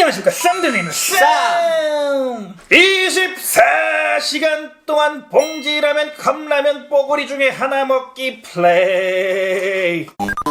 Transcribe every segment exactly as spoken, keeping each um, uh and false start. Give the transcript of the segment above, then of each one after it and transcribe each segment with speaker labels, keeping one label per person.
Speaker 1: 안녕하십니까, 쌈들님 쌈! 이십사 시간 동안 봉지라면, 컵라면, 뽀글이 중에 하나 먹기 플레이.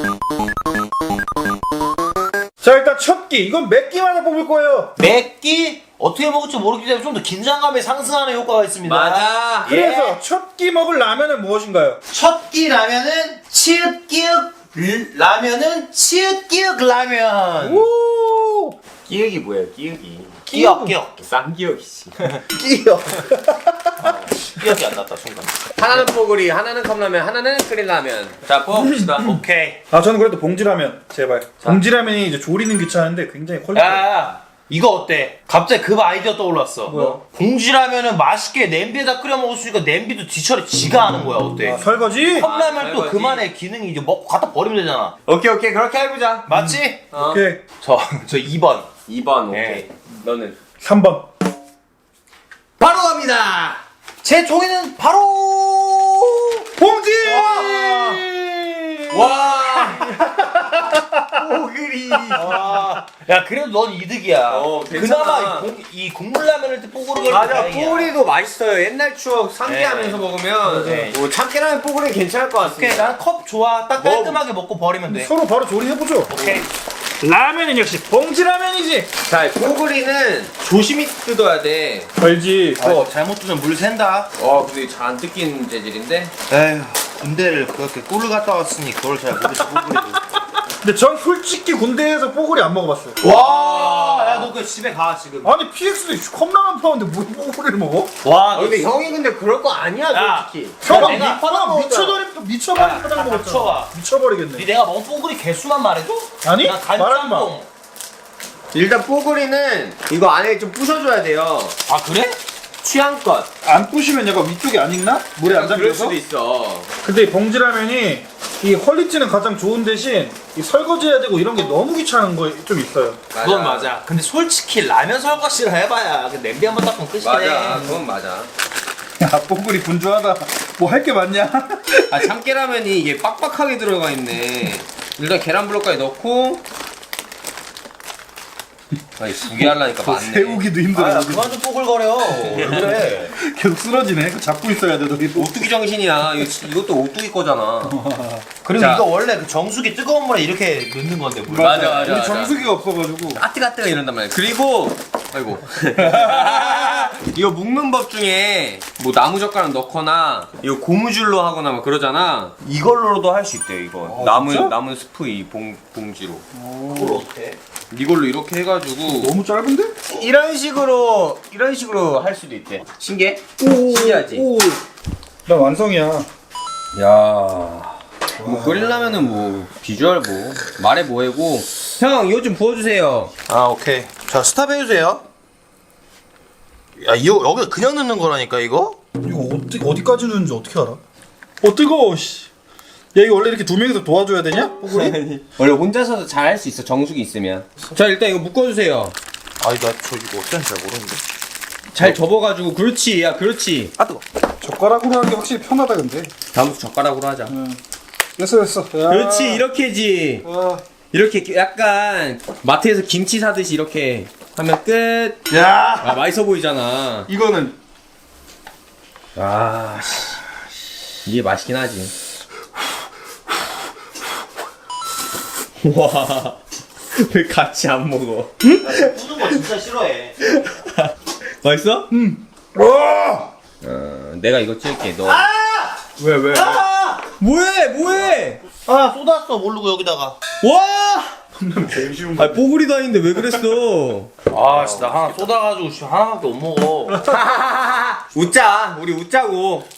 Speaker 1: 자, 일단 첫 끼, 이건 몇 끼마다 뽑을 거예요.
Speaker 2: 몇 끼? 어떻게 먹을지 모르기 때문에 좀 더 긴장감이 상승하는 효과가 있습니다.
Speaker 3: 맞아.
Speaker 1: 그래서
Speaker 2: 예.
Speaker 1: 첫 끼 먹을 라면은 무엇인가요?
Speaker 2: 첫 끼 라면은 치읓기읒 라면은 치읓기읒 라면.
Speaker 1: 오!
Speaker 3: 끼역이 뭐예요? 끼역이.
Speaker 2: 끼역 끼역.
Speaker 3: 쌈끼역이지.
Speaker 1: 끼요.
Speaker 2: 끼역이 안 났다 순간.
Speaker 3: 하나는 뽀글이, 하나는 컵라면, 하나는 끓일라면. 자, 뽑읍시다.
Speaker 2: 오케이.
Speaker 1: 아, 저는 그래도 봉지라면, 제발. 봉지라면이 이제 조리는 귀찮은데 굉장히 퀄리티.
Speaker 2: 야, 이거 어때? 갑자기 그 아이디어 떠올랐어.
Speaker 1: 뭐야?
Speaker 2: 봉지라면은 맛있게 냄비에다 끓여 먹을 수 있으니까 냄비도 뒤처리 지가 하는 거야. 어때?
Speaker 1: 아, 설거지?
Speaker 2: 컵라면
Speaker 3: 아,
Speaker 2: 또
Speaker 3: 설거지.
Speaker 2: 그만의 기능이 이제 먹고 갖다 버리면 되잖아.
Speaker 3: 오케이, 오케이. 그렇게 해보자.
Speaker 2: 맞지?
Speaker 3: 어.
Speaker 1: 오케이.
Speaker 2: 저, 저 이 번.
Speaker 3: 이 번, 오케이.
Speaker 2: 네.
Speaker 3: 너는?
Speaker 1: 삼 번.
Speaker 3: 바로 갑니다!
Speaker 2: 제 종이는 바로
Speaker 1: 봉지!
Speaker 3: 와! 뽀글이.
Speaker 2: 와. 야, 그래도 넌 이득이야.
Speaker 3: 어, 괜찮아.
Speaker 2: 그나마 이, 공, 이 국물라면을 때 뽀글이 걸리면
Speaker 3: 맞아,
Speaker 2: 다행이야.
Speaker 3: 뽀글이도 맛있어요. 옛날 추억 상기하면서
Speaker 2: 네.
Speaker 3: 먹으면
Speaker 2: 네.
Speaker 3: 뭐 참깨라면 뽀글이 괜찮을 것
Speaker 2: 오케이,
Speaker 3: 같습니다.
Speaker 2: 난 컵 좋아. 딱 깔끔하게 먹고 버리면 돼.
Speaker 1: 서로 바로 조리해보죠.
Speaker 2: 오케이.
Speaker 1: 라면은 역시 봉지라면이지.
Speaker 3: 자, 뽀글이는 조심히 뜯어야 돼.
Speaker 1: 알지.
Speaker 2: 어, 잘못 두면 물 샌다.
Speaker 3: 어, 근데 잘 안 뜯기는 재질인데.
Speaker 2: 에휴, 군대를 그렇게 꿀을 갔다 왔으니 그걸 잘 모르지, 뽀글이도.
Speaker 1: 근데 전 솔직히 군대에서 뽀글이 안 먹어봤어요.
Speaker 2: 와, 야, 너 그 집에 가, 지금.
Speaker 1: 아니 피엑스도 컵라면 파는데 뭘 뽀글이를 먹어?
Speaker 2: 와,
Speaker 3: 아,
Speaker 2: 너
Speaker 3: 근데 형이 근데 그럴 거 아니야,
Speaker 2: 야.
Speaker 3: 솔직히.
Speaker 1: 형아
Speaker 2: 내가
Speaker 1: 미, 형아 미쳐버리 미쳐버린
Speaker 2: 야,
Speaker 1: 파장
Speaker 2: 야,
Speaker 1: 먹었잖아.
Speaker 2: 닥쳐봐.
Speaker 1: 미쳐버리겠네.
Speaker 2: 니 내가 먹은 뽀글이 개수만 말해줘?
Speaker 1: 아니?
Speaker 2: 나
Speaker 1: 말하지 마.
Speaker 2: 간장동.
Speaker 3: 일단 뽀글이는 이거 안에 좀 부셔줘야 돼요.
Speaker 2: 아, 그래?
Speaker 3: 취향껏.
Speaker 1: 안 부시면 약간 위쪽이 안 익나? 물에 안
Speaker 3: 그럴
Speaker 1: 잠겨서?
Speaker 3: 수도 있어.
Speaker 1: 근데 이 봉지라면이 이 퀄리티는 가장 좋은 대신 이 설거지해야 되고 이런 게 너무 귀찮은 거 좀 있어요.
Speaker 2: 그건 맞아. 근데 솔직히 라면 설거지를 해봐야 그 냄비 한 번 닦으면 끝이네.
Speaker 3: 맞아, 그건 맞아.
Speaker 1: 야 뽀글이 분주하다. 뭐 할 게 많냐?
Speaker 3: 아, 참깨라면이 이게 빡빡하게 들어가 있네. 일단 계란 블록까지 넣고. 아니, 두 개 하려니까 많네.
Speaker 1: 세우기도 힘들어.
Speaker 2: 아, 야, 그만 좀 뽀글거려. 왜 그래?
Speaker 1: 계속 쓰러지네. 그거 잡고 있어야 돼 너희.
Speaker 3: 오뚜기 정신이야. 이거, 이것도 오뚜기 거잖아.
Speaker 2: 그리고
Speaker 3: 자.
Speaker 2: 이거 원래 그 정수기 뜨거운 물에 이렇게 넣는 건데 물.
Speaker 3: 맞아, 맞아,
Speaker 1: 우리
Speaker 3: 맞아.
Speaker 1: 정수기가 없어가지고.
Speaker 3: 아뜨가뜨가 이런단 말이야. 그리고 아이고 이거 묶는 법 중에 뭐 나무젓가락 넣거나 이거 고무줄로 하거나 막 그러잖아. 이걸로도 할 수 있대. 이거
Speaker 1: 아,
Speaker 3: 나무
Speaker 1: 진짜?
Speaker 3: 나무 스프 이 봉, 봉지로
Speaker 2: 그걸 어떻게?
Speaker 3: 이걸로 이렇게 해가지고
Speaker 1: 너무 짧은데?
Speaker 3: 이런 식으로 이런 식으로 할 수도 있대. 신기해? 신기하지?
Speaker 1: 오. 나 완성이야.
Speaker 3: 야. 뭐 끓이려면은 뭐 비주얼 뭐 말해 뭐해고. 형 이거 좀 부어주세요.
Speaker 2: 아, 오케이. 자, 스탑 해주세요. 야, 이거 여기 그냥 넣는 거라니까 이거?
Speaker 1: 이거 어디 어디까지 넣는지 어떻게 알아? 어 뜨거워. 씨. 야 이거 원래 이렇게 두 명이서 도와줘야 되냐? 뽀글이?
Speaker 3: 원래 혼자서도 잘 할 수 있어, 정수기 있으면. 자, 일단 이거 묶어주세요.
Speaker 2: 아니, 나 저 이거 어쩐지 잘 모르는데.
Speaker 3: 잘 접어가지고. 그렇지, 야, 그렇지.
Speaker 2: 아, 뜨거.
Speaker 1: 젓가락으로 하는 게 확실히 편하다 근데.
Speaker 3: 다음부터 젓가락으로 하자.
Speaker 1: 됐어 됐어. 야.
Speaker 3: 그렇지, 이렇게지.
Speaker 1: 아.
Speaker 3: 이렇게 약간 마트에서 김치 사듯이 이렇게 하면 끝.
Speaker 1: 야.
Speaker 3: 아, 맛있어 보이잖아.
Speaker 1: 이거는
Speaker 3: 아, 씨. 이게 맛있긴 하지. 와, 왜 같이 안 먹어?
Speaker 2: 뿌는 거 진짜 싫어해.
Speaker 3: 맛있어?
Speaker 1: 와.
Speaker 3: 어, 내가 이거 찍을게. 너.
Speaker 1: 왜 왜?
Speaker 2: 아!
Speaker 3: 뭐해, 뭐해?
Speaker 2: 아, 쏟았어, 모르고 여기다가.
Speaker 3: 와!
Speaker 1: 제일 쉬운
Speaker 3: 아, 뽀글이도 아닌데 왜 그랬어?
Speaker 2: 아, 진짜 나 하나 쏟아가지고 씨, 하나밖에 못 먹어.
Speaker 3: 웃자, 우리 웃자고.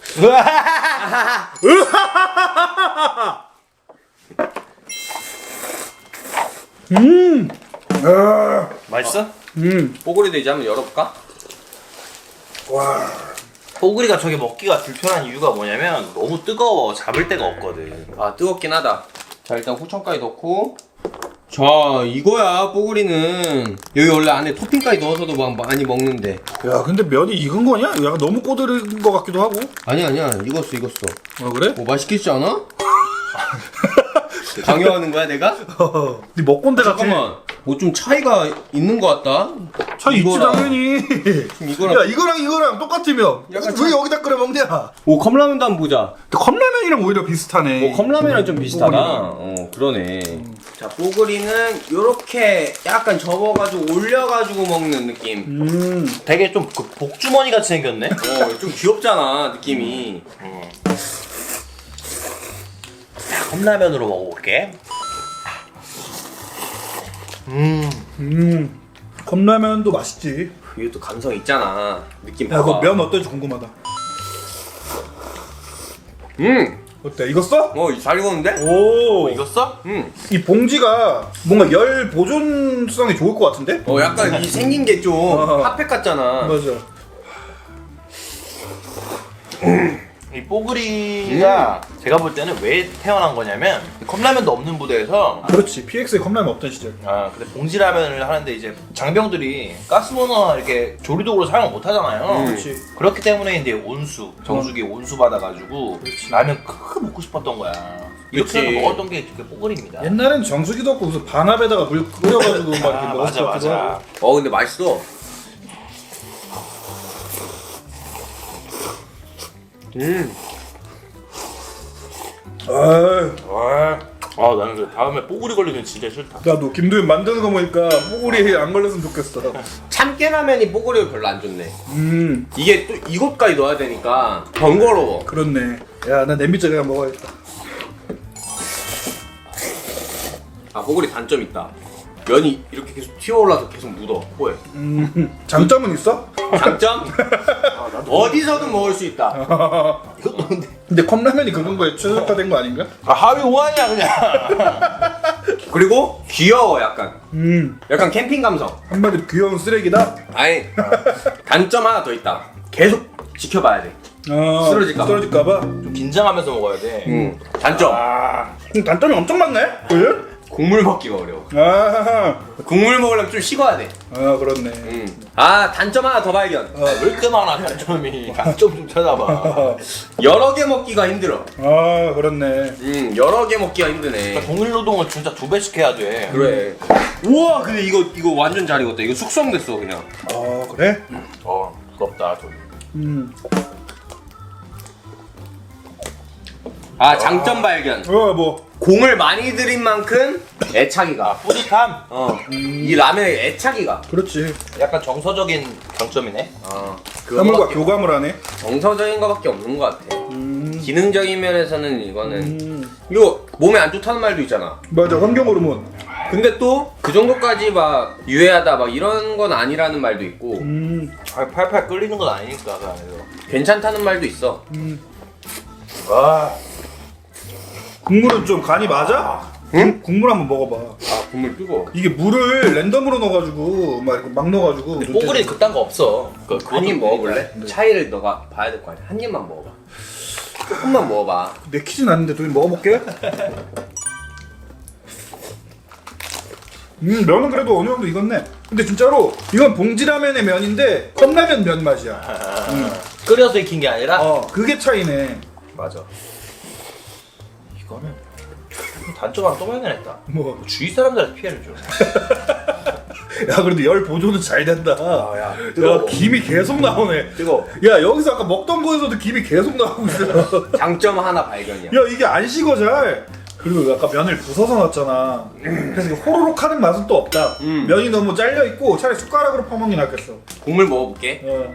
Speaker 1: 음. 아.
Speaker 2: 맛있어?
Speaker 1: 음.
Speaker 3: 뽀글이도 이제 한번 열어볼까?
Speaker 1: 와.
Speaker 2: 뽀글이가 저게 먹기가 불편한 이유가 뭐냐면 너무 뜨거워. 잡을 데가 없거든.
Speaker 3: 아, 뜨겁긴 하다. 자, 일단 후청까지 넣고. 자, 이거야, 뽀글이는. 여기 원래 안에 토핑까지 넣어서도 막 많이 먹는데.
Speaker 1: 야 근데 면이 익은 거냐? 약간 너무 꼬들은 거 같기도 하고.
Speaker 3: 아니야, 아니야. 익었어, 익었어.
Speaker 1: 아 그래?
Speaker 3: 뭐 맛있겠지 않아? 강요하는 거야, 내가?
Speaker 1: 네 먹건데 같아.
Speaker 3: 잠깐만. 뭐 좀 차이가 있는 것 같다.
Speaker 1: 차 있지
Speaker 3: 이거랑-
Speaker 1: 당연히.
Speaker 3: 이거랑
Speaker 1: 야 이거랑 이거랑 똑같으면
Speaker 3: 약간
Speaker 1: 왜 여기다 끓여 먹냐?
Speaker 3: 오 컵라면도 한번 보자.
Speaker 1: 컵라면이랑 오히려 비슷하네.
Speaker 3: 뭐 컵라면이랑 좀 비슷하다.
Speaker 1: 뽀글이랑.
Speaker 3: 어 그러네. 자 뽀글이는 요렇게 약간 접어가지고 올려가지고 먹는 느낌.
Speaker 1: 음.
Speaker 2: 되게 좀 그 복주머니 같이 생겼네.
Speaker 3: 어좀 귀엽잖아 느낌이.
Speaker 2: 컵라면으로 먹어볼게. 음.
Speaker 1: 음. 컵라면도 맛있지.
Speaker 3: 이게 또 감성 있잖아. 느낌
Speaker 1: 야,
Speaker 3: 봐봐.
Speaker 1: 그거 면 어떨지 궁금하다.
Speaker 3: 음.
Speaker 1: 어때? 익었어?
Speaker 3: 어잘 익었는데?
Speaker 1: 오.
Speaker 2: 익었어?
Speaker 3: 음.
Speaker 1: 이 봉지가 뭔가 열 보존성이 좋을 것 같은데?
Speaker 3: 어 약간 이 생긴 게 좀
Speaker 1: 어.
Speaker 3: 핫팩 같잖아.
Speaker 1: 맞아.
Speaker 2: 이 뽀글이가 제가 볼 때는 왜 태어난 거냐면 컵라면도 없는 부대에서
Speaker 1: 그렇지. 피엑스에 컵라면 없던 시절.
Speaker 2: 아 근데 봉지라면을 하는데 이제 장병들이 가스버너 이렇게 조리도구로 사용을 못 하잖아요.
Speaker 3: 음.
Speaker 1: 그렇지.
Speaker 2: 그렇기 때문에 이제 온수 정수기 온수 받아가지고 라면 크게 먹고 싶었던 거야. 이렇게
Speaker 3: 그치.
Speaker 2: 해서 먹었던 게 그 뽀글입니다.
Speaker 1: 옛날엔 정수기도 없고 무슨 반합에다가 물 끓여가지고 막 이렇게
Speaker 2: 아,
Speaker 1: 먹었을
Speaker 2: 맞아
Speaker 1: 것 같기도
Speaker 2: 맞아.
Speaker 1: 하고.
Speaker 3: 어 근데 맛있어. 음.
Speaker 1: 아유,
Speaker 2: 아, 아 나는 그 다음에 뽀글이 걸리면 진짜 싫다.
Speaker 1: 나도 김도현 만드는 거 보니까 뽀글이 안 걸렸으면 좋겠어.
Speaker 3: 참깨라면이 뽀글이가 별로 안 좋네.
Speaker 1: 음,
Speaker 3: 이게 또 이것까지 넣어야 되니까 번거로워.
Speaker 1: 그렇네. 야, 나 냄비짜리 한번 먹어야겠다.
Speaker 3: 아 뽀글이 단점 있다. 면이 이렇게 계속 튀어올라서 계속 묻어 코에.
Speaker 1: 음, 장점은 있어?
Speaker 3: 장점? 어디서든 먹을 수 있다.
Speaker 2: 이것도 근데
Speaker 1: 근데 컵라면이 그런 거에 최적화된 거 아닌가?
Speaker 2: 아, 하위 오한이야 그냥.
Speaker 3: 그리고 귀여워 약간.
Speaker 1: 음,
Speaker 3: 약간 캠핑 감성.
Speaker 1: 한마디로 귀여운 쓰레기다.
Speaker 3: 아니 단점 하나 더 있다. 계속 지켜봐야 돼.
Speaker 1: 아,
Speaker 3: 쓰러질까 봐.
Speaker 1: 쓰러질까봐.
Speaker 2: 좀 긴장하면서 먹어야 돼.
Speaker 3: 응. 단점.
Speaker 1: 아, 그럼 단점이 엄청 많네. 그래?
Speaker 3: 국물 먹기가 어려워.
Speaker 1: 아,
Speaker 3: 국물 먹으려면 좀 식어야 돼.
Speaker 1: 아 그렇네.
Speaker 3: 음. 아 단점 하나 더 발견.
Speaker 1: 아,
Speaker 2: 왜 이렇게 많아 단점이. 단점 좀 찾아봐.
Speaker 3: 여러 개 먹기가 힘들어.
Speaker 1: 아, 그렇네.
Speaker 3: 음 여러 개 먹기가 힘드네.
Speaker 2: 동일 노동을 진짜 두 배씩 해야 돼.
Speaker 3: 그래. 우와 근데 이거 이거 완전 잘 익었다. 이거 숙성됐어 그냥.
Speaker 1: 아, 그래?
Speaker 2: 어 부럽다 좀.
Speaker 1: 음,
Speaker 3: 아 장점 발견.
Speaker 1: 어, 뭐.
Speaker 3: 공을 많이 들인 만큼 애착이가.
Speaker 2: 뿌듯함.
Speaker 3: 어. 이 라면의 애착이가.
Speaker 1: 그렇지.
Speaker 2: 약간 정서적인 강점이네.
Speaker 3: 어.
Speaker 1: 사물과
Speaker 3: 그거밖에
Speaker 1: 교감을 하네.
Speaker 3: 정서적인 거밖에 없는 것 같아.
Speaker 1: 음,
Speaker 3: 기능적인 면에서는 이거는
Speaker 1: 음,
Speaker 3: 이거 몸에 안 좋다는 말도 있잖아.
Speaker 1: 맞아. 환경 호르몬.
Speaker 3: 근데 또 그 정도까지 막 유해하다 막 이런 건 아니라는 말도 있고
Speaker 1: 음,
Speaker 2: 아, 팔팔 끓이는 건 아니니까 그 안에서.
Speaker 3: 괜찮다는 말도 있어.
Speaker 1: 음.
Speaker 2: 와.
Speaker 1: 국물은 좀 간이 맞아?
Speaker 3: 응?
Speaker 1: 국물 한번 먹어봐.
Speaker 3: 아 국물 뜨거.
Speaker 1: 이게 물을 랜덤으로 넣어가지고 막 이렇게 막 넣어가지고.
Speaker 2: 뽀글이 그딴 거 없어. 그,
Speaker 3: 한 입 먹어볼래?
Speaker 1: 네.
Speaker 3: 차이를 너가 봐야 될 거 아니야. 한 입만 먹어봐. 조금만 먹어봐.
Speaker 1: 내키진 않는데 좀 먹어볼게. 음, 면은 그래도 어느 정도 익었네. 근데 진짜로 이건 봉지라면의 면인데 컵라면 면 맛이야. 음.
Speaker 2: 끓여서 익힌 게 아니라.
Speaker 1: 어, 그게 차이네.
Speaker 2: 맞아. 이거는 단점 하나 또 발견했다.
Speaker 1: 뭐,
Speaker 2: 주위 사람들한테 피해를 줘.
Speaker 1: 야 그래도 열 보존은 잘 된다.
Speaker 2: 아, 야,
Speaker 1: 야,
Speaker 2: 뜨거워.
Speaker 1: 김이 계속 나오네.
Speaker 2: 뜨거워.
Speaker 1: 야, 여기서 아까 먹던 거에서도 김이 계속 나오고 있어.
Speaker 3: 장점 하나 발견이야.
Speaker 1: 야, 이게 안 식어 잘. 그리고 아까 면을 부숴서 놨잖아. 그래서 이게 호로록 하는 맛은 또 없다.
Speaker 3: 음.
Speaker 1: 면이 너무 잘려 있고 차라리 숟가락으로 퍼먹는 게 낫겠어.
Speaker 3: 국물 먹어볼게.
Speaker 1: 어,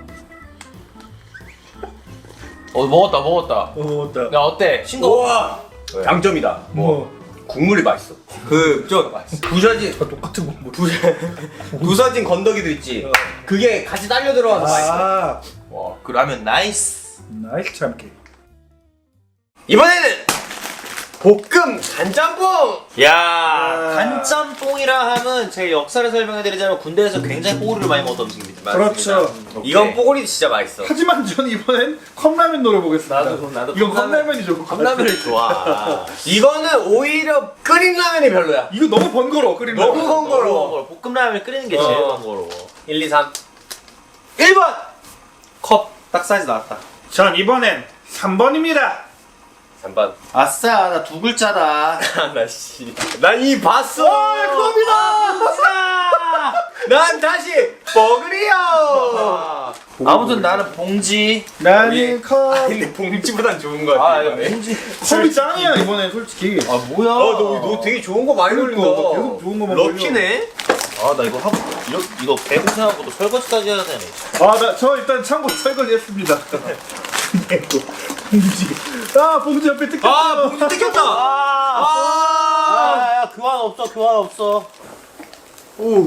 Speaker 2: 어 먹었다 먹었다.
Speaker 1: 어, 맞다.
Speaker 2: 야 어때? 싱거워?
Speaker 3: 우와. 장점이다.
Speaker 1: 뭐,
Speaker 3: 국물이 맛있어. 그저 부서진
Speaker 1: 다 똑같은 거. 뭐.
Speaker 3: 부, 부서진 건더기도 있지.
Speaker 1: 어.
Speaker 3: 그게 같이 딸려 들어와서 맛있어.
Speaker 1: 아,
Speaker 2: 와, 그 라면 나이스.
Speaker 1: 나이스 참기.
Speaker 3: 이번에는 볶음 간짬뽕.
Speaker 2: 야, 간짬뽕이라 하면 제 역사를 설명해드리자면 군대에서 굉장히 뽀글이를 많이 먹던 음식입니다.
Speaker 1: 그렇죠.
Speaker 3: 이건 뽀글이 진짜 맛있어.
Speaker 1: 하지만 저는 이번엔 컵라면 노려보겠습니다.
Speaker 2: 나도 나도
Speaker 1: 이건
Speaker 2: 컵라면-
Speaker 1: 컵라면이죠.
Speaker 2: 컵라면을 좋아.
Speaker 3: 이거는 오히려 끓인 라면이 별로야.
Speaker 1: 이거 너무 번거로워 끓이면.
Speaker 3: 너무 번거로워.
Speaker 2: 볶음라면 끓이는 게 제일
Speaker 3: 어.
Speaker 2: 번거로워.
Speaker 3: 일, 이, 삼. 일 번! 컵 딱 사이즈 나왔다.
Speaker 1: 전 이번엔 삼 번입니다.
Speaker 3: 반반.
Speaker 2: 아싸 나 두 글자다.
Speaker 3: 나 씨. 난 이 봤어.
Speaker 2: 컵이다.
Speaker 3: 난 다시 버그리요.
Speaker 2: 아무튼 나는 봉지.
Speaker 1: 나는 컵.
Speaker 3: 아, 근데 봉지보단 좋은 거 같아.
Speaker 2: 아
Speaker 3: 이번에.
Speaker 2: 봉지.
Speaker 1: 컵이 짱이야 이번에 솔직히.
Speaker 2: 아 뭐야?
Speaker 3: 어, 너, 너 되게 좋은 거 많이
Speaker 1: 그러니까,
Speaker 3: 걸린다.
Speaker 1: 너 계속 좋은 거만
Speaker 3: 럭키네.
Speaker 2: 아 나 이거 하고 이거 이거 배고생하고도 설거지까지 해야 되네.
Speaker 1: 아나 저 일단 창고 설거지 했습니다. 근데 또 봉지. 아 봉지 옆에 뜯겼어.
Speaker 3: 아, 봉지 뜯겼다.
Speaker 2: 아,
Speaker 3: 아.
Speaker 2: 야 교환 없어 교환 없어.
Speaker 3: 오.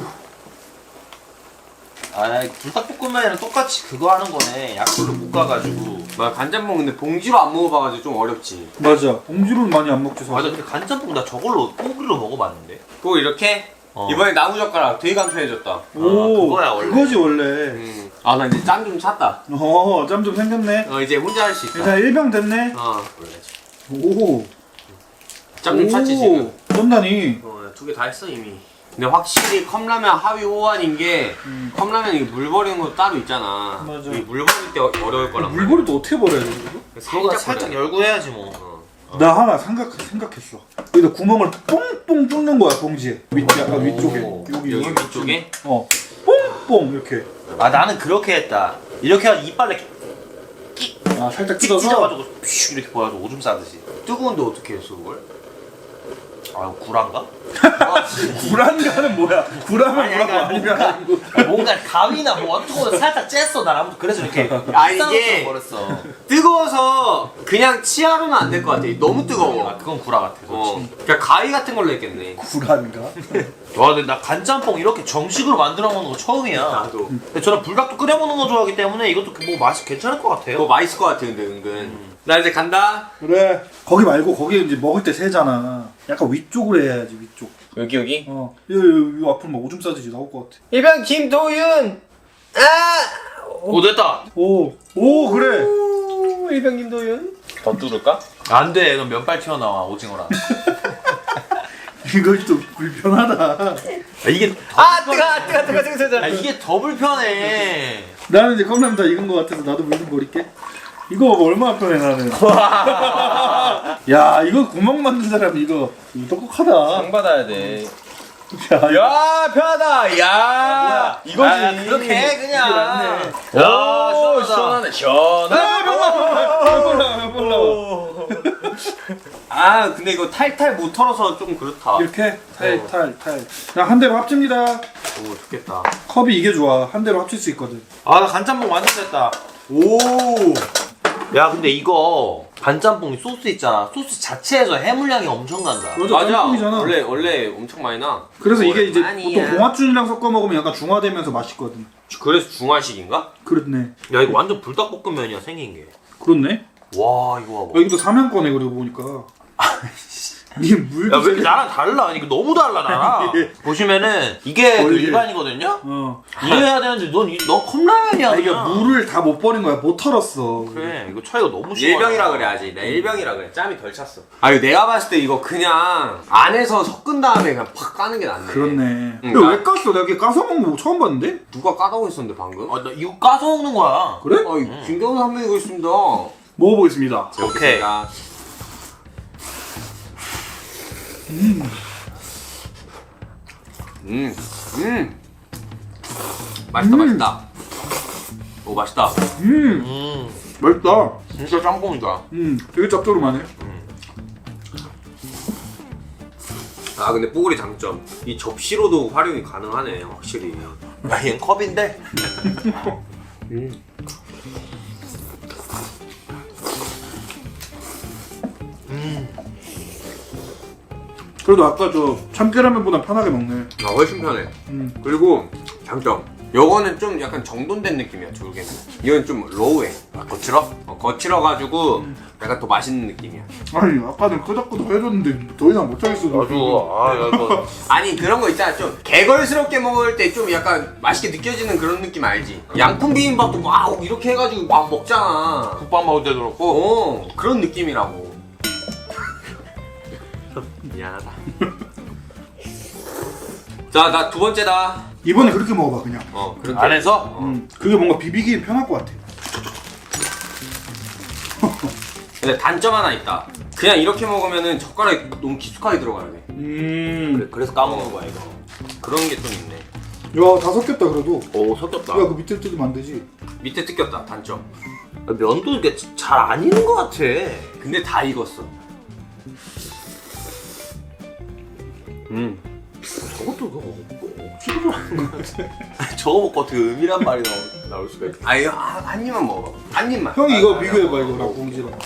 Speaker 2: 아 불닭볶음면이랑 똑같이 그거 하는 거네. 약불로 볶아가지고.
Speaker 3: 나 간장봉 근데 봉지로 안 먹어봐가지고 좀 어렵지.
Speaker 1: 맞아. 봉지로는 많이 안 먹지.
Speaker 2: 맞아
Speaker 1: 사실.
Speaker 2: 근데 간장볶음 나 저걸로 뽀글로 먹어봤는데.
Speaker 3: 또 이렇게
Speaker 2: 어.
Speaker 3: 이번에 나무젓가락 되게 간편해졌다.
Speaker 1: 오
Speaker 2: 그거야, 원래.
Speaker 1: 그거지 원래.
Speaker 3: 음. 아, 나 이제 짬 좀 찼다.
Speaker 1: 어짬 좀 생겼네.
Speaker 3: 어, 이제 혼자 할 수 있다.
Speaker 1: 일단 일병 됐네.
Speaker 3: 어.
Speaker 1: 오.
Speaker 3: 짬 좀 찼지 지금.
Speaker 1: 쩐다니.
Speaker 3: 어, 두 개 다 했어 이미. 근데 확실히 컵라면 하위 호환인 게
Speaker 1: 음.
Speaker 3: 컵라면 이게 물 버리는 것도 따로 있잖아.
Speaker 1: 맞아.
Speaker 3: 이물 버릴 때 어- 어려울 거란 말이야.
Speaker 1: 물버리도 어떻게 버려야 돼 이거?
Speaker 2: 그거가 살짝
Speaker 3: 버려야 돼.
Speaker 2: 열고 해야지 뭐.
Speaker 3: 어.
Speaker 1: 나 하나 생각 생각했어. 여기다 구멍을 뽕뽕 뚫는 거야 봉지에. 밑 약간 위쪽에.
Speaker 2: 오.
Speaker 1: 여기
Speaker 3: 여기 위쪽에?
Speaker 1: 어. 뽕뽕 이렇게.
Speaker 2: 아 나는 그렇게 했다. 이렇게 해서 이빨에
Speaker 1: 아 살짝
Speaker 2: 찍
Speaker 1: 뜯어서.
Speaker 2: 찢어가지고 퓨 이렇게 보여가지고 오줌 싸듯이.
Speaker 3: 뜨거운데 어떻게 했어 그걸?
Speaker 2: 아 구란가?
Speaker 1: 구란가는 뭐야? 구라면
Speaker 2: 아니,
Speaker 1: 뭐라고
Speaker 2: 아니,
Speaker 1: 아니면
Speaker 2: 뭔가-
Speaker 1: 아니고.
Speaker 2: 뭔가 가위나 뭐 어떤 거 살짝 쬐어 나 아무튼 그래서 이렇게
Speaker 3: 아,
Speaker 2: 쌍으로
Speaker 3: 이게-
Speaker 2: 버렸어.
Speaker 3: 뜨거워서 그냥 치아로는 안 될 것 같아. 너무 뜨거워.
Speaker 2: 아 그건 구라 같아.
Speaker 3: 어.
Speaker 2: 솔직히.
Speaker 3: 그냥 가위 같은 걸로 했겠네.
Speaker 1: 구란가?
Speaker 2: 와 근데 나 간짬뽕 이렇게 정식으로 만들어 먹는 거 처음이야.
Speaker 3: 나도.
Speaker 2: 근데 저는 불닭도 끓여 먹는 거 좋아하기 때문에 이것도 뭐 맛이 괜찮을 것 같아요.
Speaker 3: 뭐 맛있을 것 같아 근데 은근. 나 이제 간다.
Speaker 1: 그래. 거기 말고 거기 이제 먹을 때 세잖아. 약간 위쪽으로 해야지 위쪽.
Speaker 3: 여기 여기.
Speaker 1: 어. 이, 이, 이 앞으로 막 오줌 싸듯이 나올 것 같아.
Speaker 3: 일병 김도윤. 아.
Speaker 2: 오 됐다.
Speaker 1: 오. 오 그래.
Speaker 3: 오, 일병 김도윤. 더 뚫을까?
Speaker 2: 안 돼. 이건 면발 튀어나와 오징어랑.
Speaker 1: 이거 좀 불편하다.
Speaker 2: 아, 이게
Speaker 3: 아 뜨거 뜨거 뜨거 뜨거 뜨거.
Speaker 2: 아, 이게 더 불편해.
Speaker 1: 나는 이제 컵라면 다 익은 것 같아서 나도 물 좀 버릴게. 이거 봐봐 얼마나 편해 나는. 야 이거 구멍 만든 사람 이거 이거 똑똑하다.
Speaker 3: 받아야 돼.
Speaker 1: 야, 이거
Speaker 3: 야 편하다. 야 이거지.
Speaker 2: 아, 그렇게 해 그냥.
Speaker 1: 낫네.
Speaker 2: 야
Speaker 3: 오,
Speaker 2: 시원하다.
Speaker 3: 시원하네 시원하네.
Speaker 1: 몰라 몰라.
Speaker 3: 아 근데 이거 탈탈 못 털어서 좀 그렇다.
Speaker 1: 이렇게 탈탈탈. 나 한 대로 합칩니다.
Speaker 3: 오 좋겠다.
Speaker 1: 컵이 이게 좋아. 한 대로 합칠 수 있거든.
Speaker 2: 아 나 간짬뽕 완전 됐다.
Speaker 3: 오.
Speaker 2: 야 근데 이거 간짬뽕 소스 있잖아. 소스 자체에서 해물량이 엄청 난다.
Speaker 1: 맞아, 짬뽕이잖아.
Speaker 3: 원래 원래 엄청 많이 나.
Speaker 1: 그래서 이게 이제
Speaker 3: 오랜만이야.
Speaker 1: 보통 봉화춘이랑 섞어 먹으면 약간 중화되면서 맛있거든.
Speaker 3: 그래서 중화식인가?
Speaker 1: 그렇네.
Speaker 2: 야 이거 완전 불닭볶음면이야 생긴 게.
Speaker 1: 그렇네.
Speaker 2: 와 이거 봐봐.
Speaker 1: 여기도 삼양거네 그러고 보니까. 니물
Speaker 2: 야 왜 이렇게 나랑 달라? 이거 너무 달라 나랑. 보시면은 이게 그
Speaker 1: 원래.
Speaker 2: 일반이거든요.
Speaker 1: 어.
Speaker 2: 이래야 되는데 넌너 컵라면이야.
Speaker 1: 아, 이게
Speaker 2: 그냥.
Speaker 1: 물을 다 못 버린 거야. 못 털었어.
Speaker 2: 그래 이거 차이가 너무 심하.
Speaker 3: 일병이라 그래야지. 나 일병이라 그래. 짬이 덜 찼어. 아 이거 내가 봤을 때 이거 그냥 안에서 섞은 다음에 그냥 팍 까는 게 낫네.
Speaker 1: 그렇네.
Speaker 3: 응,
Speaker 1: 이거
Speaker 3: 나-
Speaker 1: 왜 깠어? 내가 이렇게 까서 먹는 거 처음 봤는데?
Speaker 3: 누가 까다고 했었는데 방금?
Speaker 2: 아나 이거 까서 먹는 거야.
Speaker 1: 그래?
Speaker 3: 아, 이 김경수 선배 이거 있습니다.
Speaker 1: 먹어보겠습니다.
Speaker 2: 오케이.
Speaker 3: 제가 음. 음. 맛있다,
Speaker 1: 음.
Speaker 3: 맛있다. 오, 맛있다.
Speaker 1: 음,
Speaker 2: 음
Speaker 1: 맛있다.
Speaker 2: 진짜 짬뽕이다.
Speaker 1: 음, 되게 짭조름하네.
Speaker 3: 아, 근데 뽀글이 장점. 이 접시로도 활용이 가능하네, 확실히.
Speaker 2: 야 얘는 컵인데.
Speaker 3: 음.
Speaker 1: 그래도 아까 저 참깨라면보단 편하게 먹네.
Speaker 3: 아, 훨씬 편해.
Speaker 1: 음.
Speaker 3: 그리고 장점. 요거는 좀 약간 정돈된 느낌이야, 조개는. 이건 좀 로우해.
Speaker 2: 아 거칠어?
Speaker 3: 어, 거칠어가지고 약간 더 맛있는 느낌이야.
Speaker 1: 아니 아까는 끄덕끄덕 해줬는데 더 이상 못 하겠어.
Speaker 2: 아주 아 이거.
Speaker 3: 아니 그런 거 있잖아 좀 개걸스럽게 먹을 때 좀 약간 맛있게 느껴지는 그런 느낌 알지? 양푼 비빔밥도 막 이렇게 해가지고 막 먹잖아.
Speaker 2: 국밥 먹을 때도 그렇고.
Speaker 3: 어 그런 느낌이라고. 미안하다. 자 나 두 번째다.
Speaker 1: 이번에 그렇게 먹어봐 그냥.
Speaker 3: 어 그렇게.
Speaker 2: 안에서?
Speaker 1: 음, 그게 뭔가 비비기 편할 것 같아.
Speaker 3: 근데 단점 하나 있다. 그냥 이렇게 먹으면은 젓가락이 너무 깊숙하게 들어가야 돼.
Speaker 1: 음.
Speaker 2: 그래, 그래서 까먹는 거야 이거.
Speaker 3: 그런 게 좀 있네.
Speaker 1: 야, 다 섞였다 그래도.
Speaker 2: 오 섞였다.
Speaker 1: 야, 그 밑에 뜯으면 안 되지.
Speaker 3: 밑에 뜯겼다. 단점.
Speaker 2: 면도 이게 잘 안 익은 것 같아.
Speaker 3: 근데 다 익었어. 음.
Speaker 2: 저것도 그거 억지로 하는 거 같아. 저거 먹고 어떻게 음이란 말이 나올, 나올 수가 있어.
Speaker 3: 아 이거 한, 한 입만 먹어봐. 한 입만.
Speaker 1: 형이 이거
Speaker 3: 아,
Speaker 1: 비교해봐
Speaker 3: 아,
Speaker 1: 이거랑 봉지랑.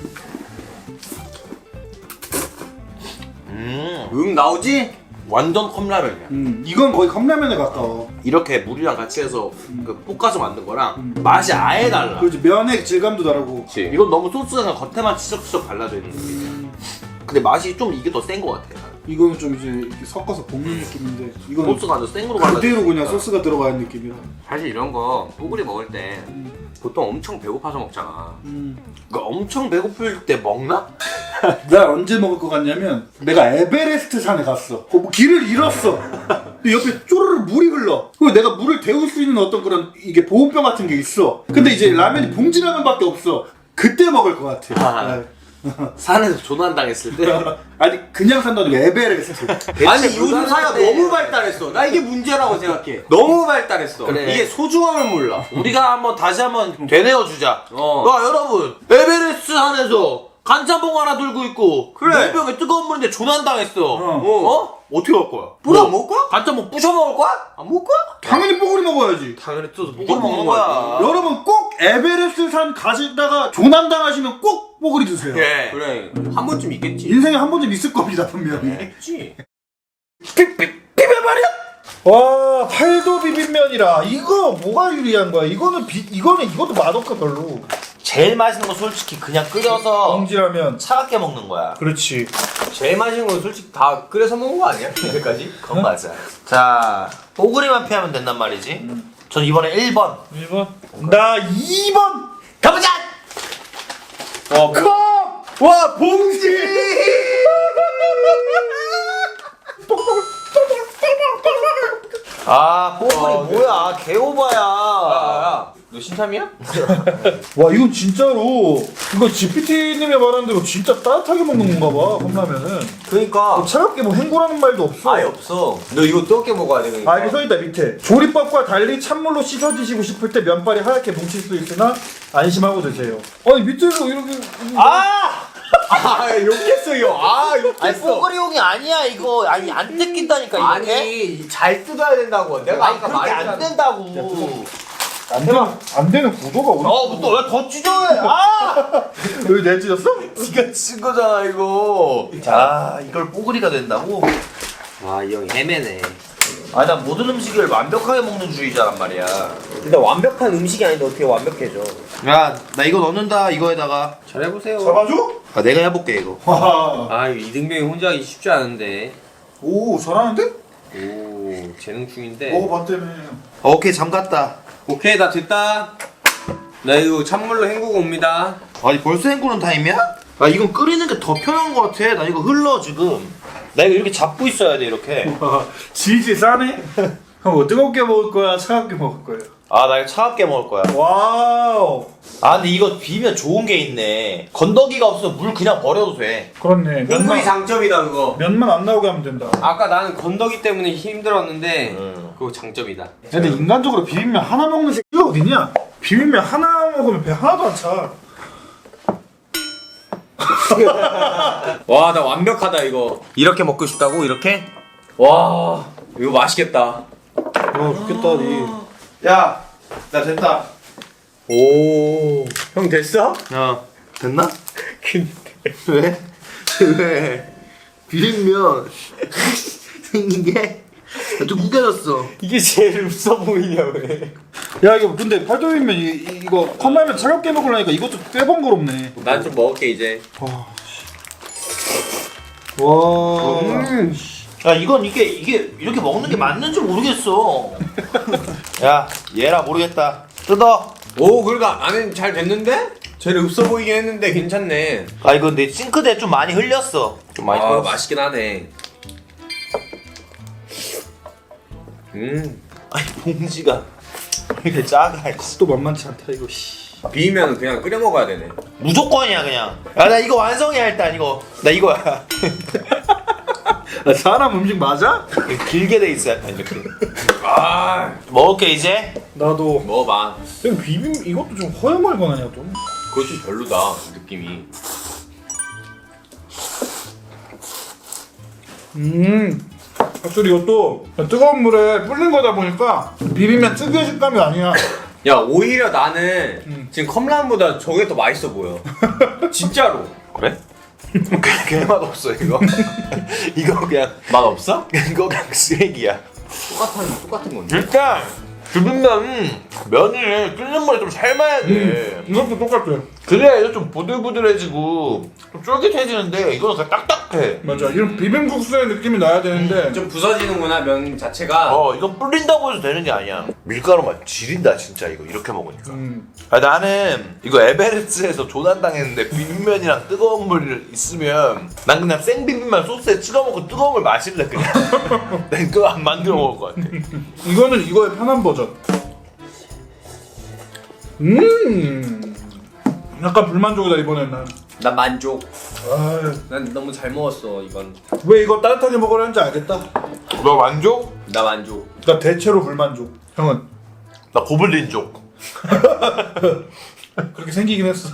Speaker 2: 음
Speaker 3: 음 나오지?
Speaker 2: 완전 컵라면이야.
Speaker 1: 음, 이건 거의 컵라면에 가까워.
Speaker 2: 이렇게 물이랑 같이 해서 그 볶아서 만든 거랑 맛이 아예 달라.
Speaker 1: 그렇지, 면의 질감도 다르고.
Speaker 3: 그치.
Speaker 2: 이건 너무 소스가 그냥 겉에만 치적치적 발라져 있는 느낌이야. 근데 맛이 좀 이게 더 센 것 같아.
Speaker 1: 이거는 좀 이제 이렇게 섞어서 볶는 느낌인데 이거는
Speaker 2: 소스가 아주 생으로 발라져.
Speaker 1: 그대로 그냥
Speaker 2: 있으니까.
Speaker 1: 소스가 들어가는 느낌이라.
Speaker 3: 사실 이런 거 뽀글이 먹을 때 보통 엄청 배고파서 먹잖아.
Speaker 1: 음.
Speaker 2: 그러니까 엄청 배고플 때 먹나?
Speaker 1: 나 언제 먹을 것 같냐면 내가 에베레스트 산에 갔어. 어, 뭐 길을 잃었어. 근데 옆에 쪼르르 물이 흘러. 그리고 내가 물을 데울 수 있는 어떤 그런 이게 보온병 같은 게 있어. 근데 이제 라면이 봉지라면밖에 없어. 그때 먹을 것 같아.
Speaker 2: 아.
Speaker 1: 네.
Speaker 2: 산에서 조난 당했을 때.
Speaker 1: 아니 그냥 산다도 에베레스트.
Speaker 3: 아니 요즘 사회가 너무 발달했어. 나 이게 문제라고 생각해. 너무 발달했어.
Speaker 2: 그래.
Speaker 3: 이게 소중함을 몰라.
Speaker 2: 우리가 한번 다시 한번 되뇌어 주자.
Speaker 3: 어.
Speaker 2: 와 여러분 에베레스트 산에서 간짬뽕 하나 들고 있고
Speaker 3: 그래.
Speaker 2: 물병에 뜨거운 물인데 조난 당했어.
Speaker 1: 어.
Speaker 2: 어? 어떻게 할 거야?
Speaker 3: 뿌려
Speaker 2: 뭐?
Speaker 3: 먹을 거야?
Speaker 2: 간짬뽕 부셔 먹을 거야?
Speaker 3: 안 먹을 거야?
Speaker 1: 당연히 뽀글이 먹어야지.
Speaker 2: 당연히 뜯어서
Speaker 3: 이걸
Speaker 2: 볶아 먹는
Speaker 3: 먹는
Speaker 2: 거야.
Speaker 3: 거야.
Speaker 1: 여러분 꼭 에베레스트 산 가시다가 조난 당하시면 꼭 뽀글이 드세요.
Speaker 2: 예.
Speaker 3: 그래. 한 번쯤 있겠지.
Speaker 1: 인생에 한 번쯤 있을 겁니다 분명히.
Speaker 3: 있지.
Speaker 2: 비벼버려?
Speaker 1: 와, 팔도 비빔면이라 이거 뭐가 유리한 거야? 이거는 비 이거는 이것도 맛없고 별로.
Speaker 2: 제일 맛있는 건 솔직히 그냥 끓여서
Speaker 1: 봉지라면.
Speaker 2: 차갑게 먹는 거야.
Speaker 1: 그렇지.
Speaker 3: 제일 맛있는 건 솔직히 다 끓여서 먹은 거 아니야? 이제까지?
Speaker 2: 그건 맞아. 자, 뽀글이만 피하면 된단 말이지. 전 이번에 일 번.
Speaker 1: 일 번. 나 이 번.
Speaker 2: 가보자!
Speaker 3: 와,
Speaker 1: 컵.
Speaker 3: 와 봉지!
Speaker 2: 아, 뽀글이
Speaker 3: 어,
Speaker 2: 뭐야. 개오바야.
Speaker 3: 야, 너 신참이야?
Speaker 1: 와, 이건 진짜로 이거 지피티님이 말한 대로 진짜 따뜻하게 먹는 건가 봐. 컵라면은.
Speaker 3: 그러니까
Speaker 1: 차갑게 뭐 헹구라는 말도 없어.
Speaker 3: 아예 없어. 너 이거 뜨겁게 먹어야 돼. 그러니까.
Speaker 1: 아, 이게 써있다 밑에. 조리법과 달리 찬물로 씻어 드시고 싶을 때 면발이 하얗게 뭉칠 수 있으나 안심하고 드세요. 아니 밑에서 이렇게.
Speaker 2: 아!
Speaker 3: 아 욕했어요. 아
Speaker 2: 아니,
Speaker 3: 욕했어.
Speaker 2: 뽀글이용이 아니야, 이거. 아니, 안 뜯긴다니까, 이렇게.
Speaker 3: 아니 잘 뜯어야 된다고. 내가
Speaker 2: 아니,
Speaker 3: 아까
Speaker 2: 그렇게 안
Speaker 3: 말했잖아.
Speaker 2: 된다고.
Speaker 1: 안 되는 안 되는 구도가 어디?
Speaker 2: 어, 또 왜 더 찢어해? 아!
Speaker 1: 여기 내 찢었어?
Speaker 2: 니가 친 거잖아, 이거. 자, 이걸 뽀글이가 된다고?
Speaker 3: 아이 형이 헤매네.
Speaker 2: 아니, 난 모든 음식을 완벽하게 먹는 주의자란 말이야.
Speaker 3: 근데 완벽한 음식이 아닌데 어떻게 완벽해져?
Speaker 2: 야, 나 이거 넣는다, 이거에다가.
Speaker 3: 잘 해보세요.
Speaker 1: 잡아줘?
Speaker 2: 아, 내가 해볼게, 이거.
Speaker 1: 와.
Speaker 3: 아 이등병이 혼자 하기 쉽지 않은데.
Speaker 1: 오, 잘하는데?
Speaker 3: 오 재능충인데.
Speaker 1: 먹어봤다며.
Speaker 2: 오케이, 잠갔다.
Speaker 3: 오케이 나 됐다. 나 이거 찬물로 헹구고 옵니다.
Speaker 2: 아니, 벌써 헹구는 타임이야? 아, 이건 끓이는 게 더 편한 거 같아. 나 이거 흘러, 지금. 나 이거 이렇게 잡고 있어야 돼, 이렇게.
Speaker 1: 와, 질질 싸네. 형, 뭐 뜨겁게 먹을 거야, 차갑게 먹을 거야?
Speaker 2: 아, 나 이거 차갑게 먹을 거야.
Speaker 1: 와우.
Speaker 2: 아, 근데 이거 비면 좋은 게 있네. 건더기가 없어서 물 그냥 버려도 돼.
Speaker 1: 그렇네.
Speaker 3: 뽀글이
Speaker 1: 면만
Speaker 3: 장점이다 그거.
Speaker 1: 면만 안 나오게 하면 된다.
Speaker 3: 아까 나는 건더기 때문에 힘들었는데
Speaker 2: 음.
Speaker 3: 그거 장점이다.
Speaker 1: 근데 인간적으로 비빔면 하나 먹는 새끼가 어디냐? 비빔면 하나 먹으면 배 하나도 안 차.
Speaker 3: 와 나 완벽하다 이거. 이렇게 먹고 싶다고 이렇게? 와 이거 맛있겠다.
Speaker 1: 와, 좋겠다, 니.
Speaker 2: 야, 나 됐다.
Speaker 3: 오 형 됐어?
Speaker 2: 어, 됐나?
Speaker 3: 근데
Speaker 2: 왜? 왜? 비빔면 생긴 게 좀 구겨졌어.
Speaker 3: 이게 제일 없어 보이냐 왜?
Speaker 1: 야, 이거 근데 팔도비빔면 이, 이- 이거 컵라면 차갑게 먹으려니까 이것도 꽤 번거롭네.
Speaker 3: 난 좀 먹을게 이제.
Speaker 1: 와. 와.
Speaker 3: 음.
Speaker 2: 야, 이건 이게 이게 이렇게 먹는 게 맞는지 모르겠어. 야, 얘라 모르겠다. 뜯어.
Speaker 3: 오 그러니까 안에 잘 됐는데? 제일 없어 보이긴 했는데 괜찮네.
Speaker 2: 아, 이거 내 싱크대에 좀 많이 흘렸어. 좀 많이
Speaker 3: 아
Speaker 2: 흘렸어.
Speaker 3: 맛있긴 하네. 음.
Speaker 2: 아니, 봉지가 왜 이렇게 작아? 씨.
Speaker 1: 또 만만치 않다 이거. 씨.
Speaker 3: 비비면 그냥 끓여 먹어야 되네.
Speaker 2: 무조건이야 그냥. 야 나 이거 완성이야 일단 이거. 나 이거야.
Speaker 1: 사람 음식 맞아?
Speaker 2: 길게 돼 있어 약간 이렇게. 아 먹을게 이제.
Speaker 1: 나도.
Speaker 3: 먹어봐.
Speaker 1: 이거 비빔 이것도 좀 허여멀건하냐 좀.
Speaker 3: 그거 좀 별로다 느낌이.
Speaker 1: 음. 확실히 이것도 뜨거운 물에 불린 거다 보니까 비비면 특유의 식감이 아니야.
Speaker 3: 야 오히려 나는
Speaker 1: 음.
Speaker 3: 지금 컵라면보다 저게 더 맛있어 보여. 진짜로.
Speaker 2: 그래? 그냥 맛 없어 이거. 이거 그냥
Speaker 3: 맛 없어?
Speaker 2: 이거 그냥 쓰레기야.
Speaker 3: 똑같은 똑같은 건데.
Speaker 2: 일단 비빔면 면을 끓는 물에 좀 삶아야 돼.
Speaker 1: 이것도 똑같아.
Speaker 2: 그래야 이거 좀 보들보들해지고 좀 쫄깃해지는데 이거는 그냥 딱딱해.
Speaker 1: 맞아. 이런 비빔국수의 느낌이 나야 되는데
Speaker 3: 좀 부서지는구나 면 자체가.
Speaker 2: 어 이건 불린다고 해서 되는 게 아니야. 밀가루 맛 지린다 진짜 이거 이렇게 먹으니까.
Speaker 1: 음.
Speaker 2: 아, 나는 이거 에베레스트에서 조난당했는데 비빔면이랑 뜨거운 물 있으면 난 그냥 생비빔면 소스에 찍어 먹고 뜨거운 물 마실래 그냥. 난 그거 안 만들어 먹을 것 같아.
Speaker 1: 이거는 이거의 편한 버전. 음. 약간 불만족이다 이번엔 난.
Speaker 3: 나 만족.
Speaker 1: 아,
Speaker 3: 난 너무 잘 먹었어 이건.
Speaker 1: 왜 이거 따뜻하게 먹으려는지 알겠다.
Speaker 2: 너 만족?
Speaker 3: 나 만족.
Speaker 1: 나 대체로 불만족. 형은
Speaker 2: 나 고블린족.
Speaker 1: 그렇게 생기긴 했어.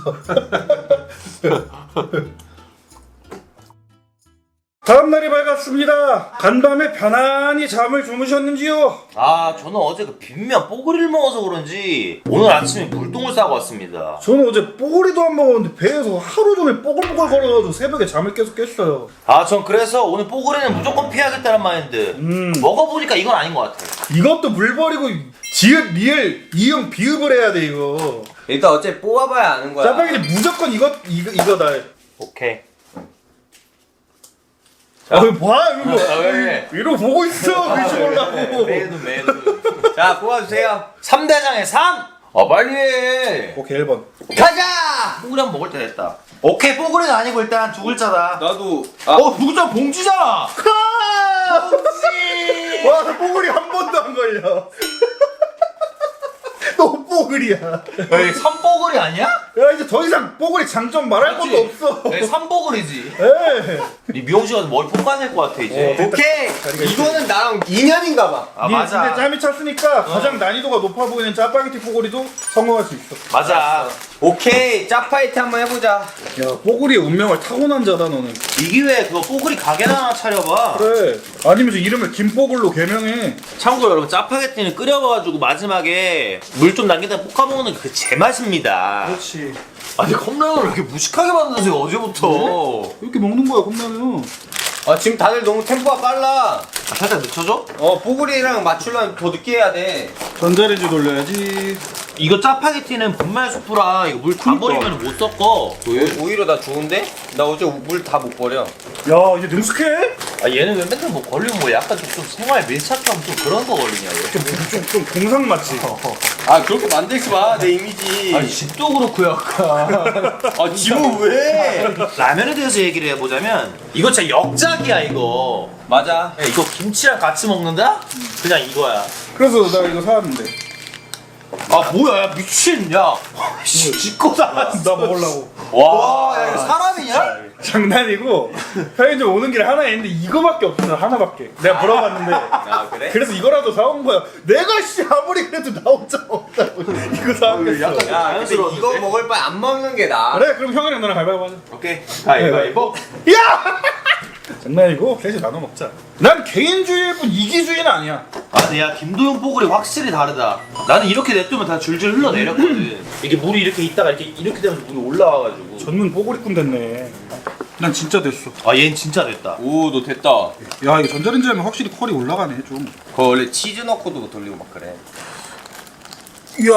Speaker 1: 다음 날이 밝았습니다. 간밤에 편안히 잠을 주무셨는지요?
Speaker 2: 아 저는 어제 그 비빔면 뽀글이를 먹어서 그런지 오늘 아침에 물똥을 싸고 왔습니다.
Speaker 1: 저는 어제 뽀글이도 안 먹었는데 배에서 하루 종일 뽀글뽀글 걸어가지고 새벽에 잠을 계속 깼어요.
Speaker 2: 아 전 그래서 오늘 뽀글이는 무조건 피하겠다는 마인드.
Speaker 1: 음.
Speaker 2: 먹어보니까 이건 아닌 것 같아.
Speaker 1: 이것도 물 버리고 지읒, 리을, 이응, 비읍을 해야 돼 이거.
Speaker 3: 일단 어째 뽑아봐야 아는 거야.
Speaker 1: 짜파게티 무조건 이거 이거 이거다.
Speaker 2: 오케이.
Speaker 1: 아, 왜 봐 이거.
Speaker 2: 아, 왜?
Speaker 1: 이러고 보고 있어. 글씨 보려고.
Speaker 2: 매도 매도.
Speaker 3: 자 뽑아주세요.
Speaker 2: 삼 대장의 삼! 아 빨리 해.
Speaker 1: 오케이 일 번.
Speaker 2: 가자! 뽀글이 한번 먹을 때 됐다. 오케이 뽀글이는 아니고 일단 두 글자다.
Speaker 3: 나도. 아
Speaker 2: 어 누구자 봉지잖아.
Speaker 1: 봉지. 와, 나 뽀글이 한 번도 안 걸려. 또 뽀글이야.
Speaker 2: 에이 삼뽀글이 아니야?
Speaker 1: 야 이제 더 이상 뽀글이 장점 말할
Speaker 2: 맞지?
Speaker 1: 것도 없어.
Speaker 2: 에이 삼뽀글이지.
Speaker 1: 에.
Speaker 2: 니 미용실 가서 머리 볶아낼 것 같아 이제.
Speaker 1: 어,
Speaker 3: 오케이. 이거는 나랑 인연인가 봐.
Speaker 2: 아
Speaker 1: 니
Speaker 2: 맞아.
Speaker 1: 근데 짬이 찼으니까 가장 난이도가 높아 보이는 짜파게티 뽀글이도 성공할 수 있어.
Speaker 2: 맞아.
Speaker 3: 오케이. 짜파이트 한번 해보자.
Speaker 1: 야, 뽀글이의 운명을 타고난 자다 너는.
Speaker 2: 이 기회에 그거 뽀글이 가게나 하나 차려봐.
Speaker 1: 그래. 아니면 저 이름을 김뽀글로 개명해.
Speaker 2: 참고로 여러분 짜파게티는 끓여봐가지고 마지막에 물 좀 남기다 볶아먹는 그 제맛입니다.
Speaker 1: 그렇지.
Speaker 2: 아니 컵라면을 이렇게 무식하게 만드세요 어제부터.
Speaker 1: 이렇게 먹는 거야 컵라면.
Speaker 3: 아 지금 다들 너무 템포가 빨라.
Speaker 2: 아, 살짝 늦춰줘?
Speaker 3: 어 뽀글이랑 맞추려면 더 늦게 해야 돼.
Speaker 1: 전자레인지 돌려야지.
Speaker 2: 이거 짜파게티는 분말 수프라 이거 물 다 버리면 못 섞어.
Speaker 3: 오, 오히려 나 좋은데? 나 어제 물 다 못 버려.
Speaker 1: 야, 이제 능숙해?
Speaker 2: 아 얘는 왜 맨날 뭐 걸리면 뭐 약간 좀, 좀 생활 밀착형 좀 그런 거 걸리냐 왜?
Speaker 1: 좀, 좀, 좀 공상 맞지?
Speaker 3: 아 그렇게 만들지 마 내 이미지.
Speaker 2: 아니 집도 그렇고 약간.
Speaker 3: 아 집은 왜?
Speaker 2: 라면에 대해서 얘기를 해보자면 이거 진짜 역작이야 이거.
Speaker 3: 맞아.
Speaker 2: 야, 이거 김치랑 같이 먹는다? 그냥 이거야.
Speaker 1: 그래서 나 이거 사왔는데.
Speaker 2: 아 뭐야 야 미친 야. 씨 짓고 다.
Speaker 1: 나 먹으려고.
Speaker 2: 와, 야, 이거 사람이냐?
Speaker 1: 장난이고 편의점 오는 길에 하나 있는데 이거밖에 없어. 하나밖에. 내가 물어봤는데.
Speaker 3: 아 그래?
Speaker 1: 그래서 이거라도 사온 거야. 내가 씨 아무리 그래도 나 혼자 먹자고 이거 사왔겠어.
Speaker 2: 약간-
Speaker 3: 야 근데
Speaker 2: 자연스러운데?
Speaker 3: 이거 먹을 바에 안 먹는 게 나아.
Speaker 1: 그래, 그럼 형이랑 나랑 가위바위보 하자.
Speaker 2: 오케이. 가위바위보.
Speaker 1: 야! 장난이고 셋이 나눠 먹자. 난 개인주의일 뿐 이기주의는 아니야.
Speaker 2: 아 근데 야 김도영 뽀글이 확실히 다르다. 나는 이렇게 냅두면 다 줄줄 흘러내렸거든. 이게 물이 이렇게 있다가 이렇게 이렇게 되면서 물이 올라와가지고.
Speaker 1: 전문 뽀글이꾼 됐네. 난 진짜 됐어.
Speaker 2: 아 얘는 진짜 됐다.
Speaker 3: 오 너 됐다.
Speaker 1: 야, 이거 전자레인지 하면 확실히 퀄이 올라가네 좀.
Speaker 3: 그거 원래 치즈 넣고도 돌리고 막 그래.
Speaker 1: 이야.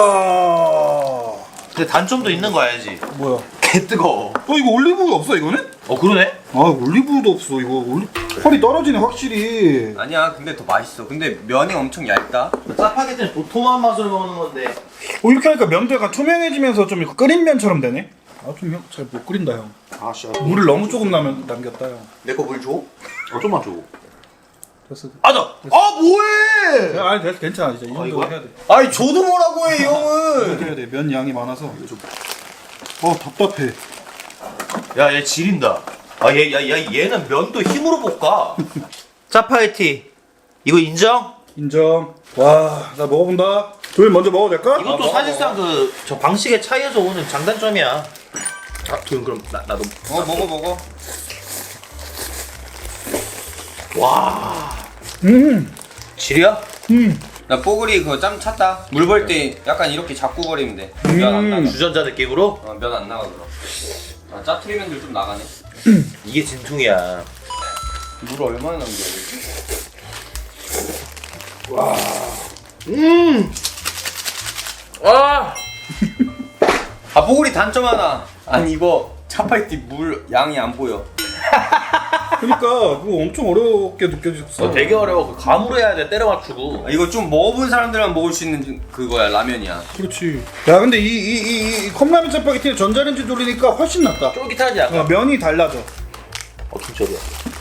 Speaker 2: 근데 단점도 있는 거 알지?
Speaker 1: 뭐야?
Speaker 2: 개 뜨거워.
Speaker 1: 어, 이거 올리브 없어 이거는?
Speaker 2: 어 그러네?
Speaker 1: 아, 올리브도 없어 이거. 올리... 퀄이 떨어지네 확실히.
Speaker 3: 아니야 근데 더 맛있어. 근데 면이 엄청 얇다.
Speaker 2: 짜파게티는 보통한 맛으로 먹는 건데.
Speaker 1: 어, 이렇게 하니까 면도 약간 투명해지면서 좀 이거 끓인 면처럼 되네. 아, 좀 잘 못 끓인다 형.
Speaker 2: 아씨.
Speaker 1: 물을 너무 조금 남겼다 형.
Speaker 3: 내 거 물 줘?
Speaker 2: 어 좀만 줘.
Speaker 1: 됐어.
Speaker 2: 아, 나, 아, 뭐해!
Speaker 1: 야, 아니 됐어 괜찮아 이제 이 정도
Speaker 2: 이거야?
Speaker 1: 해야 돼.
Speaker 3: 아니 저도 뭐라고 해, 이 형은.
Speaker 1: 해야 돼. 면 양이 많아서. 어 답답해.
Speaker 2: 야, 얘 지린다. 아, 얘, 야, 야, 얘는 면도 힘으로 볶아. 짜파게티. 이거 인정?
Speaker 1: 인정. 와, 나 먹어본다. 조일 먼저 먹어도 될까?
Speaker 2: 이것도 사실상 그, 저 방식의 차이에서 오는 장단점이야. 아, 도현, 그럼, 나, 나도.
Speaker 3: 어 먹어 먹어.
Speaker 2: 와.
Speaker 1: 음,
Speaker 2: 지리야?
Speaker 1: 음.
Speaker 3: 나 뽀글이 그거 짬 찼다. 물 벌 때 약간 이렇게 잡고 버리면 돼. 면 안 나가.
Speaker 2: 주전자 느낌으로?
Speaker 3: 어, 면 안 나가 그럼. 아, 짜투리면들 좀 나가네.
Speaker 2: 이게 진퉁이야.
Speaker 3: 물 얼마나 남겨?
Speaker 2: 음! 아!
Speaker 3: 아 뽀글이 단점 하나. 아니 이거 차파이티 물 양이 안 보여.
Speaker 1: 그러니까 그거 엄청 어렵게 느껴졌어.
Speaker 2: 어, 되게 어려워. 그 감으로 해야 돼, 때려 맞추고.
Speaker 3: 아, 이거 좀 먹어본 사람들만 먹을 수 있는 그거야 라면이야.
Speaker 1: 그렇지. 야, 근데 이 이 이 이 컵라면 짜파게티는 전자레인지 돌리니까 훨씬 낫다.
Speaker 2: 쫄깃하지 않아?
Speaker 1: 어, 면이 달라져.
Speaker 2: 어, 김철이야.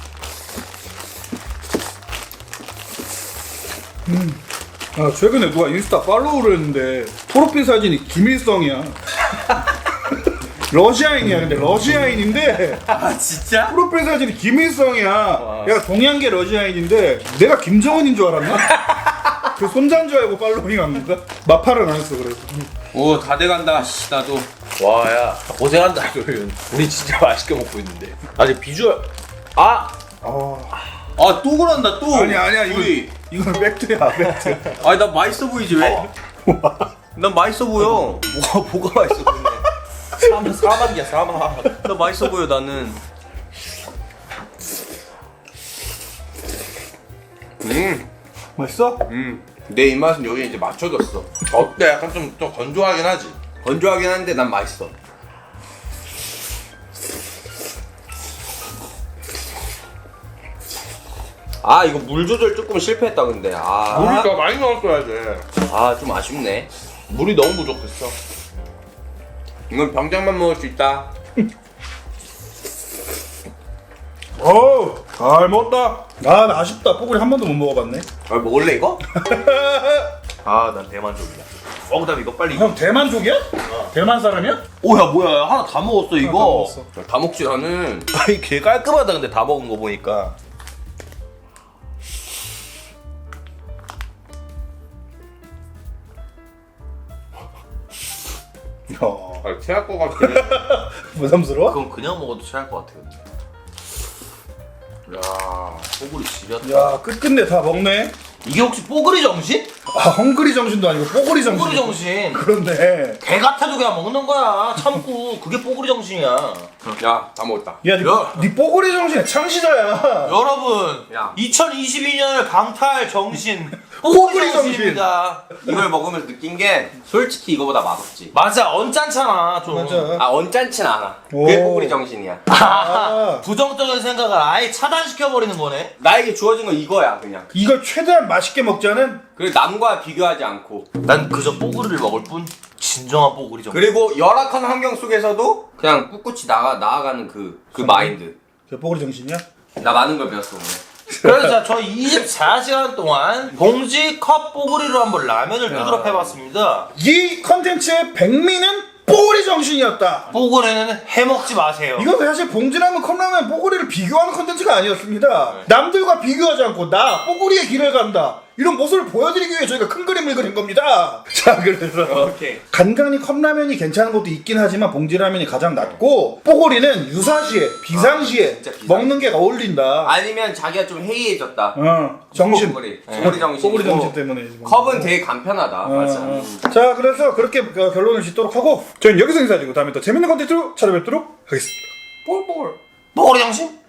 Speaker 1: 아, 최근에 누가 인스타 팔로우를 했는데 프로필 사진이 김일성이야. 러시아인이야. 근데 러시아인인데
Speaker 3: 아 진짜?
Speaker 1: 프로필 사진이 김일성이야. 얘가 동양계 러시아인인데 내가 김정은인 줄 알았나? 그 손자인 줄 알고 팔로잉한 건가? 마팔은 안 했어 그래서.
Speaker 3: 오 다 돼간다. 씨 나도.
Speaker 2: 와, 야. 고생한다, 도현. 우리 진짜 맛있게 먹고 있는데. 아직 비주얼. 아!
Speaker 1: 아,
Speaker 3: 아 또 그런다 또.
Speaker 1: 아니야 아니야 이거
Speaker 3: 우리.
Speaker 1: 이거는 팩트야 팩트.
Speaker 3: 아니 나 맛있어 보이지 왜? 난 맛있어 보여.
Speaker 2: 뭐가, 뭐가 맛있어 보이네. 사막, 사막이야, 사막.
Speaker 3: 나 맛있어 보여 나는. 음,
Speaker 1: 맛있어?
Speaker 3: 음. 내 입맛은 여기 이제 맞춰졌어.
Speaker 2: 어때? 약간 좀, 좀 건조하긴 하지.
Speaker 3: 건조하긴 한데 난 맛있어. 아 이거 물 조절 조금 실패했다 근데. 아,
Speaker 2: 물이 더 많이 넣었어야 돼.
Speaker 3: 아 좀 아쉽네.
Speaker 2: 물이 너무 부족했어.
Speaker 3: 이건 병장만 먹을 수 있다.
Speaker 1: 어우 잘 먹었다. 아, 나 아쉽다. 뽀글이 한 번도 못 먹어봤네.
Speaker 3: 아 먹을래 이거?
Speaker 2: 아, 난 대만족이야. 어, 그 다음에 이거 빨리.
Speaker 1: 형 대만족이야? 대만 사람이야?
Speaker 2: 오, 야, 뭐야. 하나 다 먹었어, 이거.
Speaker 1: 다 먹었어.
Speaker 3: 다 먹지 나는.
Speaker 2: 아니, 개 깔끔하다, 근데 다 먹은 거 보니까.
Speaker 1: 어,
Speaker 3: 아 체할 것 같긴 해.
Speaker 1: 부담스러워?
Speaker 2: 그건 그냥 먹어도 취할 것 같아, 근데. 야, 뽀글이 지렸다.
Speaker 1: 야, 끝끝내 다 먹네.
Speaker 2: 이게 혹시 뽀글이 정신?
Speaker 1: 아, 헝그리 정신도 아니고 뽀글이 정신.
Speaker 2: 뽀글이 정신.
Speaker 1: 그런데
Speaker 2: 개 같아도 그냥 먹는 거야. 참고. 그게 뽀글이 정신이야.
Speaker 3: 야다 먹었다.
Speaker 1: 야, 니,
Speaker 2: 야.
Speaker 1: 니 뽀글이 정신의 창시자야.
Speaker 2: 여러분,
Speaker 3: 야.
Speaker 2: 이천이십이 년을 강타할 정신.
Speaker 1: 뽀글이
Speaker 2: 뽀글이
Speaker 1: 정신.
Speaker 2: 정신입니다.
Speaker 3: 이걸 먹으면서 느낀 게 솔직히 이거보다 맛없지.
Speaker 2: 맞아, 언짢잖아, 좀.
Speaker 1: 맞아.
Speaker 3: 아 언짢진 않아.
Speaker 1: 오.
Speaker 3: 그게 뽀글이 정신이야.
Speaker 1: 아,
Speaker 2: 부정적인 생각을 아예 차단시켜버리는 거네.
Speaker 3: 나에게 주어진 건 이거야 그냥.
Speaker 1: 이걸 최대한 맛있게 먹자는.
Speaker 3: 그리고 남과 비교하지 않고.
Speaker 2: 난 그저 뽀글이를 먹을 뿐. 진정한 뽀글이 정신.
Speaker 3: 그리고 열악한 환경 속에서도 그냥 꿋꿋이 나가 나아가는 그 그 마인드.
Speaker 1: 저 뽀글이 정신이야?
Speaker 3: 나 많은 걸 배웠어 오늘.
Speaker 2: 그래서 자, 저 이십사 시간 동안 봉지 컵 뽀글이로 한번 라면을 뜨도록 해봤습니다.
Speaker 1: 이 컨텐츠의 백미는 뽀글이 정신이었다.
Speaker 2: 뽀글이는 해먹지 마세요.
Speaker 1: 이건 사실 봉지라면 컵라면 뽀글이를 비교하는 컨텐츠가 아니었습니다. 남들과 비교하지 않고 나 뽀글이의 길을 간다. 이런 모습을 보여드리기 위해 저희가 큰 그림을 그린 겁니다. 자, 그래서
Speaker 3: 오케이.
Speaker 1: 간간히 컵라면이 괜찮은 것도 있긴 하지만 봉지라면이 가장 낫고 뽀글이는 유사시에 비상시에
Speaker 3: 진짜 비상.
Speaker 1: 먹는 게 어울린다.
Speaker 3: 아니면 자기가 좀 해이해졌다.
Speaker 1: 어, 정신.
Speaker 3: 뽀글이. 뽀글이 정신.
Speaker 1: 뽀글이 정신 때문에.
Speaker 3: 컵은 되게 간편하다.
Speaker 1: 어,
Speaker 3: 맞아.
Speaker 1: 어. 자, 그래서 그렇게 그 결론을 짓도록 하고 저희는 여기서 인사드리고 다음에 또 재밌는 컨텐츠로 찾아뵙도록 하겠습니다.
Speaker 3: 뽀글뽀글.
Speaker 2: 뽀글이 정신?